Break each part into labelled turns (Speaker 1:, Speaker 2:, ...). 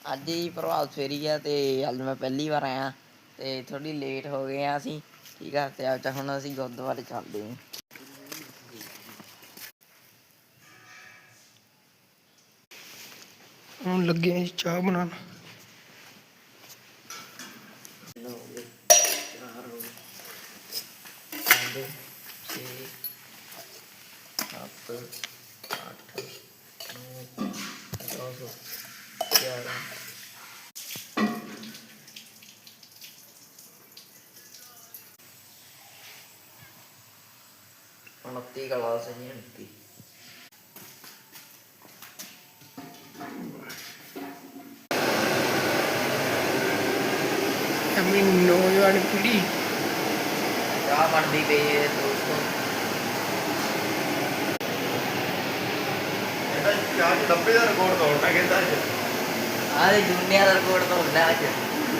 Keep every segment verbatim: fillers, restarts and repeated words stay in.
Speaker 1: ਅੱਜ ਹੀ ਪ੍ਰਭਾਤ ਫੇਰੀ ਆ ਅਤੇ ਅੱਜ ਮੈਂ ਪਹਿਲੀ ਵਾਰ ਆਇਆ ਅਤੇ ਥੋੜ੍ਹੀ ਲੇਟ ਹੋ ਗਏ ਹਾਂ ਅਸੀਂ। ਠੀਕ ਆ, ਅਤੇ ਅੱਜ ਹੁਣ ਅਸੀਂ ਗੁਰਦੁਆਰੇ ਚੱਲਦੇ ਹਾਂ।
Speaker 2: ਹੁਣ ਲੱਗੇ ਹਾਂ ਜੀ ਚਾਹ ਬਣਾਉਣ।
Speaker 1: ਚਾਰ ਹੋ ਗਏ, ਪੰਜ, ਛੇ, ਸੱਤ, ਅੱਠ, ਨੌਂ, ਦਸ, ਗਿਆਰਾਂ, ਉਨੱਤੀ ਗਲਾਸ ਜੀ। ਉਨੱਤੀ
Speaker 2: ਆਪਣੀ ਨੌਜਵਾਨ ਪੀੜ੍ਹੀ
Speaker 1: ਚਾਹ ਬਣਦੀ ਪਈ ਹੈ ਦੋਸਤੋ।
Speaker 3: ਇਹਦਾ ਚਾਹ ਚ ਡੱਬੇ ਦਾ ਰਿਕਾਰਡ ਤੋੜਨਾ ਕਹਿੰਦਾ ਅੱਜ।
Speaker 1: ਆਹ ਦੁਨੀਆ ਦਾ ਰਿਕਾਰਡ ਤੋੜਨਾ ਅੱਜ।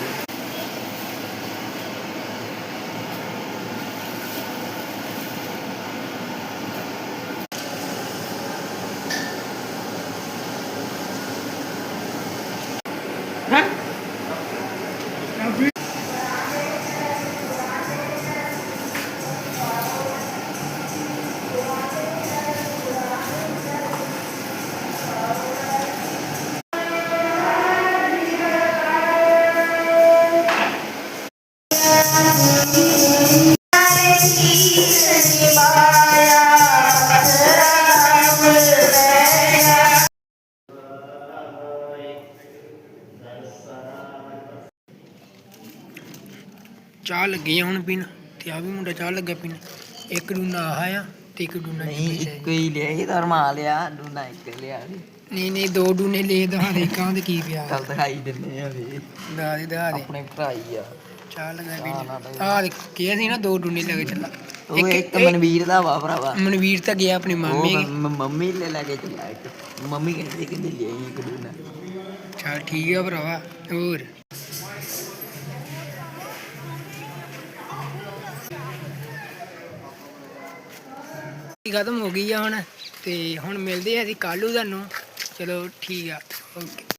Speaker 2: ਚਾਹ ਲੱਗੀ ਆ ਹੁਣ ਪੀਣ, ਤੇ ਆ ਵੀ ਮੁੰਡਾ ਚਾਹ ਲੱਗਾ ਪੀਣ। ਇੱਕ ਡੂਨਾ ਆਹ ਆ ਤੇ ਇੱਕ ਡੂਨਾ
Speaker 1: ਨਹੀਂ, ਇੱਕੋ ਹੀ ਲਿਆ ਸੀ ਤਾਂ ਰਮਾ ਲਿਆ। ਡੂਨਾ ਇੱਕ ਲਿਆ ਸੀ।
Speaker 2: ਨਹੀਂ ਨਹੀਂ ਦੋ ਡੂਨੇ ਲੈ ਦਹਾ ਦੇ ਕਾਂ ਦੇ ਕੀ ਪਿਆ।
Speaker 1: ਚੱਲ ਦਿਖਾਈ ਦਿੰਦੇ ਆ ਵੀ
Speaker 2: ਦਹਾ ਦੇ ਦਹਾ ਦੇ
Speaker 1: ਆਪਣੇ ਭਰਾ ਹੀ ਆ।
Speaker 2: ਚਾਹ ਲੱਗਾ
Speaker 1: ਚਾਹ
Speaker 2: ਪੀਣ।
Speaker 1: ਨਾਲ
Speaker 2: ਆਹ ਦੇਖ ਕਿਹਾ ਸੀ ਨਾ ਦੋ ਡੂਨੇ ਲੈ ਕੇ ਚੱਲਾ।
Speaker 1: ਉਹ ਇੱਕ ਮਨਵੀਰ ਦਾ ਵਾ ਭਰਾਵਾ।
Speaker 2: ਮਨਵੀਰ ਤਾਂ ਗਿਆ ਆਪਣੀ ਮਾਮੇ
Speaker 1: ਉਹ
Speaker 2: ਕੇ।
Speaker 1: ਮ- ਮੰਮੀ ਲੈ ਲੈ ਕੇ ਚੱਲਿਆ ਇੱਕ। ਮੰਮੀ ਕਹਿੰਦੀ ਕਹਿੰਦੀ ਲਿਆਈ ਇੱਕ ਡੂਨਾ।
Speaker 2: ਚੱਲ ਠੀਕ ਆ ਭਰਾਵਾ। ਹੋਰ ਖਤਮ ਹੋ ਗਈ ਆ ਹੁਣ, ਤੇ ਹੁਣ ਮਿਲਦੇ ਆ ਅਸੀਂ ਕੱਲ੍ਹ ਨੂੰ ਤੁਹਾਨੂੰ। ਚਲੋ ਠੀਕ ਆ, ਓਕੇ।